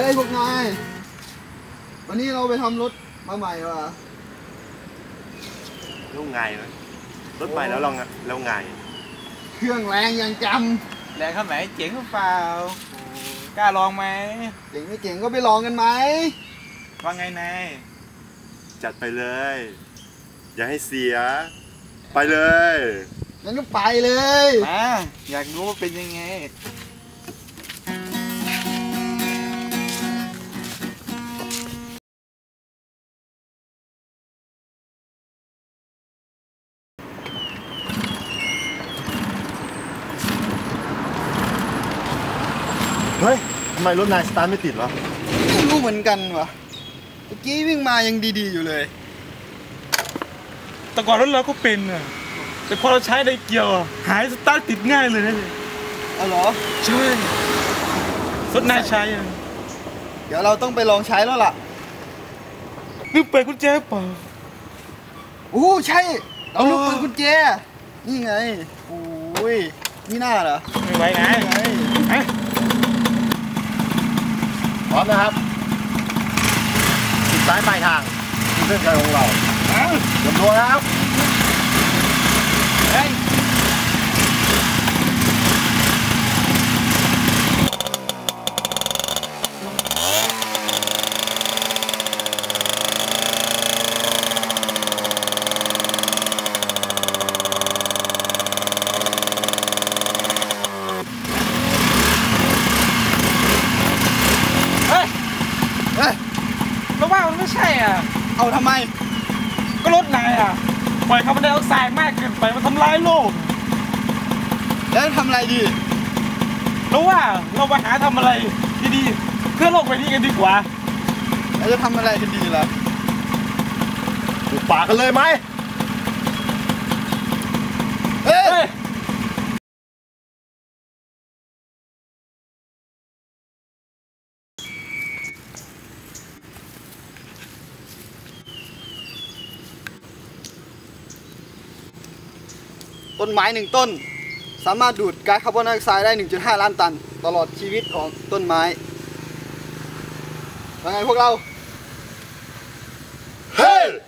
ยพวกนายวันนี้เราไปทำรถมาใหม่ว่ะแล้วไงวะรถใหม่แล้วแล้วไงเครื่องแรงยังจำแรงข้าไหนเจ๋งหรือเปล่ากล้าลองไหมำเก่งไม่เก่งก็ไปลองกันไหมว่าไงนายจัดไปเลยอย่าให้เสียไปเลยงั้นก็ไปเลยมาอยากรู้ว่าเป็นยังไงเฮ้ยทำไมรถนายสตาร์ทไม่ติดวะไม่รู้เหมือนกันวะเมื่อกี้วิ่งมายังดีๆอยู่เลยแต่ก่อนรถเราก็เป็นอ่ะแต่พอเราใช้ไดเกียวหายสตาร์ทติดง่ายเลยนะเอาเหรอใช่รถนายใช้อ่ะเดี๋ยวเราต้องไปลองใช้แล้วล่ะลืมเปิดกุญแจเปล่าโอ้ใช่เราลืมเปิดกุญแจนี่ไงโอ้ยนี่น่าเหรอไม่ไหวไงพร้อมนะครับติดซ้ายปลายทางเส้นชัยของเราเตรียมตัวนะครับเฮ้ยเราว่ามันไม่ใช่อ่ะเอาทำไมก็รถนายอ่ะปล่อยคาร์บอนไดออกไซด์มากเกินไปมันทำลายโลกแล้วทำอะไรดีเราว่าเราไปหาทำอะไรดีๆเพื่อโลกใบนี้กันดีกว่าแล้วจะทำอะไรกันดีล่ะปลูกป่ากันเลยไหมเฮ้ยต้นไม้1 ต้นสามารถดูดก๊าซคาร์บอนไดออกไซด์ได้ 1.5 ล้านตันตลอดชีวิตของต้นไม้ว่าไงพวกเราเฮ้